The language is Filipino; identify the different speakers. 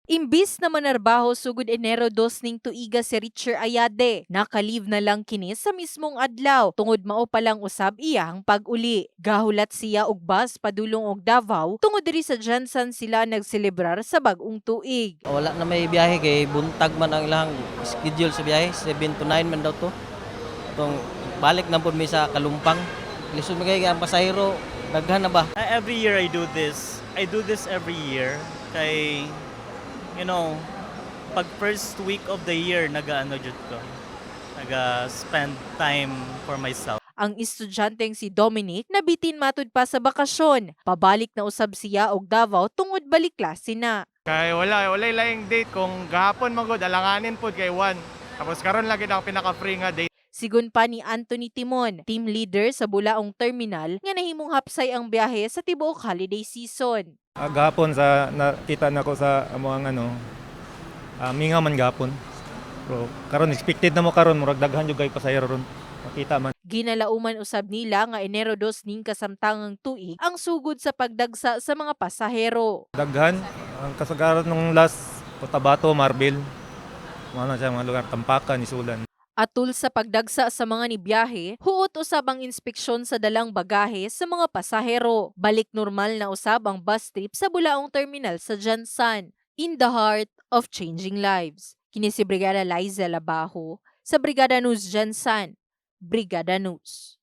Speaker 1: Imbis na manarbaho sugod Enero 2 ning tuiga si Richer Ayade, nakalive na lang kini sa mismong adlaw tungod mao pa lang usab iyang pag-uli. Gahulat siya og bus padulong og Davao tungod diri sa Jansan sila nagselebrar sa bag-ong tuig.
Speaker 2: Wala na may biyahe kay buntag man ang ilang schedule sa biyahe, 7 to 9 man daw to. Itong balik na po mi sa Kalumpang. Lisod magay ang pasahero, daghan na ba?
Speaker 3: Every year I do this. I do this every year. Kay, you know, pag first week of the year, nag-ano jud ko. Nag-spend time for myself.
Speaker 1: Ang estudyanteng si Dominic nabitin matud pa sa bakasyon. Pabalik na usab siya og Davao tungod balik klase na.
Speaker 4: Kay wala laing date kung gahapon magod alanganin pod kay 1. Tapos karon lagi na ang pinaka-free nga date.
Speaker 1: Sigun pa ni Anthony Timon, team leader sa Bulaong Terminal, nga nahimong hapsay ang biyahe sa tibuok holiday season.
Speaker 5: Gahapon sa nakita nako sa amoang mingaw man gahapon. Pero karon expected na mo karon murag daghan jud kay pasahero ron. Makita man.
Speaker 1: Ginalauman usab nila nga Enero 2 ning kasamtangang tuig ang sugod sa pagdagsa sa mga pasahero.
Speaker 5: Daghan ang kasagaran nung last Cotabato, Marbel. Mga siya mga lugar Tampakan, Isulan.
Speaker 1: Atul sa pagdagsa sa mga nibiyahe, huot usab ang inspeksyon sa dalang bagahe sa mga pasahero. Balik normal na usab ang bus trip sa Bulaong Terminal sa Jansan, in the heart of changing lives. Kini si Brigada Liza Labajo sa Brigada News Jansan. Brigada News.